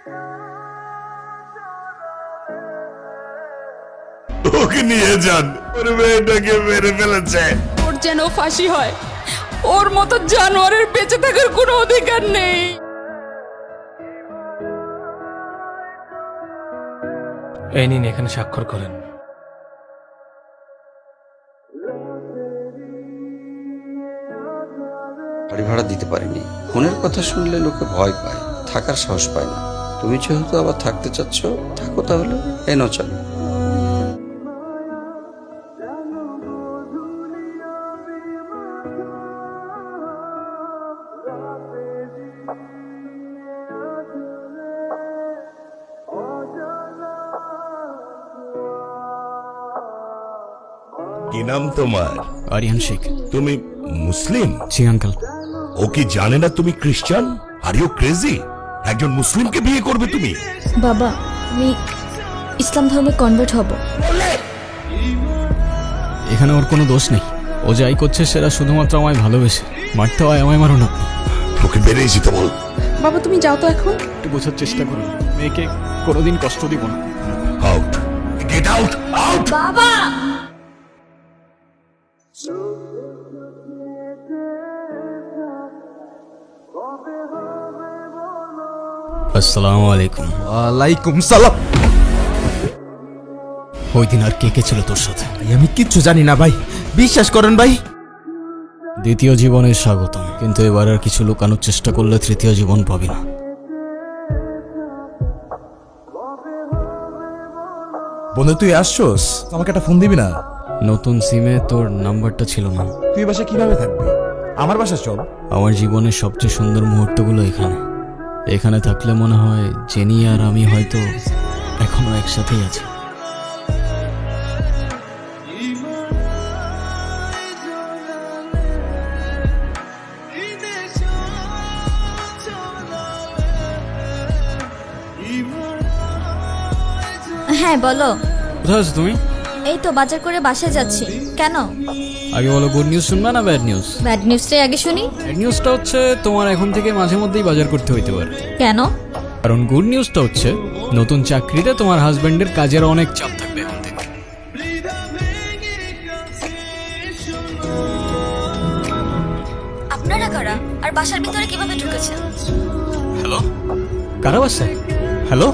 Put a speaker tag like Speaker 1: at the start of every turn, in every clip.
Speaker 1: ওকে নিয়ে যান, ওর মেয়েটাকে মেরে ফেলেছে।
Speaker 2: ওর যেন ফাঁসি হয়, ওর মতো জানোয়ারের বেঁচে থাকার কোনো অধিকার নেই।
Speaker 3: এই নিন, এখানে স্বাক্ষর করেন।
Speaker 4: বাড়ি ভাড়া দিতে পারিনি। ফোনের কথা শুনলে লোকে ভয় পায়, থাকার সাহস পায় না। তুমি যেহেতু আবার থাকতে চাচ্ছ, থাকো তাহলে। এই নাও চাবি।
Speaker 1: কি নাম তোমার?
Speaker 5: আরিয়ান শেখ।
Speaker 1: তুমি মুসলিম?
Speaker 5: জি আঙ্কেল।
Speaker 1: ও কি জানে না তুমি খ্রিস্টান? Are you crazy? একজন মুসলিমকে বিয়ে করবে তুমি?
Speaker 6: বাবা, আমি ইসলাম ধর্মে কনভার্ট হব।
Speaker 5: এখানে ওর কোনো দোষ নেই। ও যাই করছে সেটা শুধুমাত্র আমায় ভালোবেসে। মারতে হয় আমায় মারুন আপনি।
Speaker 1: ওকে বেরিয়ে যেতে বল।
Speaker 2: বাবা তুমি যাও তো এখন।
Speaker 5: একটু বোঝার চেষ্টা করুন, মেয়েকে কোনোদিন কষ্ট দিব না।
Speaker 1: Out, get out, out.
Speaker 6: বাবা!
Speaker 5: আসসালামু আলাইকুম।
Speaker 7: ওয়ালাইকুম সালাম।
Speaker 5: ওই দিন আর কে কে ছিল তোর সাথে?
Speaker 7: আমি কিচ্ছু জানি না ভাই, বিশ্বাস করেন ভাই।
Speaker 5: দ্বিতীয় জীবনে স্বাগতম, কিন্তু এবার আর কিছু লুকানোর চেষ্টা করলে তৃতীয় জীবন পাবি না।
Speaker 7: বন্ধু তুই আসছোস, আমাকে একটা ফোন দিবি না?
Speaker 5: নতুন সিমে তোর নাম্বারটা ছিল না।
Speaker 7: তুই বাসা কিভাবে থাকবি? আমার বাসা চল।
Speaker 5: আমার জীবনের সবচেয়ে সুন্দর মুহূর্তগুলো এখানে। এখানে থাকলে মনে হয় জেনি আর আমি হয়তো এখনো একসাথেই আছি।
Speaker 6: হ্যাঁ বলো।
Speaker 5: কোথায় আছো তুমি?
Speaker 6: এই তো বাজার করে বাসায় যাচ্ছি। কেন?
Speaker 5: আগে বলো, গুড নিউজ শুনবা না ব্যাড নিউজ?
Speaker 6: ব্যাড নিউজটাই আগে শুনি।
Speaker 5: ব্যাড নিউজটা হচ্ছে তোমার এখন থেকে মাঝে মধ্যেই বাজার করতে হইতে পারে।
Speaker 6: কেন?
Speaker 5: কারণ গুড নিউজটা হচ্ছে নতুন চাকরিতে তোমার হাজবেন্ডের কাজের অনেক চাপ থাকবে এখন থেকে।
Speaker 6: আপনারা কারা? আর বাসার ভিতরে কিভাবে ঢুকেছেন?
Speaker 5: হ্যালো, কারা বাসায়? হ্যালো,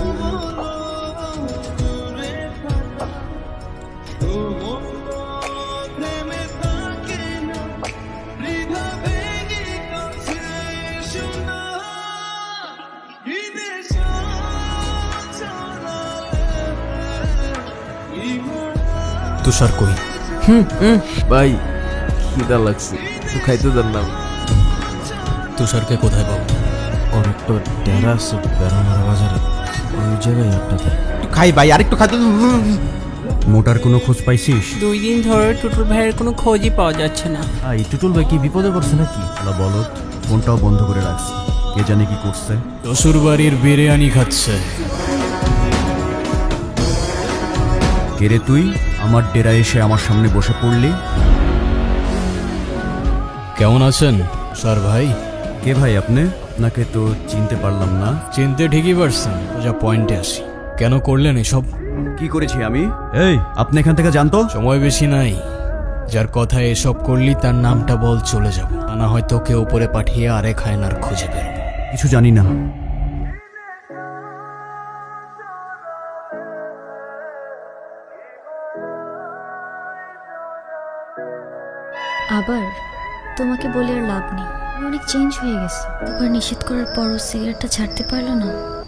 Speaker 5: তুষার কই?
Speaker 7: ভাই খিদা লাগছে, একটু খাইতে দেন না।
Speaker 5: তুষারকে কোথায় পাবো?
Speaker 7: ওর একটা ডেরা আছে বেড়ানোর বাজারে, ওই জায়গায় একটা একটু খাই ভাই, আর একটু খাইতে। মোটার কোনো খোঁজ পাইছিস?
Speaker 8: 2 দিন ধরে টুটুল ভাইয়ের কোনো খোঁজই পাওয়া যাচ্ছে না।
Speaker 7: এই টুটুল ভাই কি বিপদে পড়ছে নাকি? আলা বলত, ফোনটাও বন্ধ করে রাখছে, কে জানে কি করছে।
Speaker 5: শ্বশুর বাড়ির বিরিয়ানি খাচ্ছে।
Speaker 7: কে রে তুই? আমার ডেরা এসে আমার সামনে বসে পড়লি?
Speaker 5: কেমন আছেন স্যার ভাই?
Speaker 7: কে ভাই আপনি? আপনাকে তো চিনতে পারলাম না।
Speaker 5: চিনতে ঠিকই পারছেন, যা পয়েন্টে আসি। কেন করলেন এসব?
Speaker 7: কি করেছি আমি? এই আপনি এখান থেকে জানতো?
Speaker 5: সময় বেশি নাই। যার কথায় এসব করলি তার নামটা বল, চলে যাব। তা না হয় তোকে উপরে পাঠিয়ে আরেক হায়নার খুঁজে বেরোবো।
Speaker 7: কিছু জানি না।
Speaker 6: আবার তোমাকে বলে আর লাভ নেই। আমি অনেক চেঞ্জ হয়ে গেছে। দুবার নিষেধ করার পরও সিগারেটটা ছাড়তে পারলো না।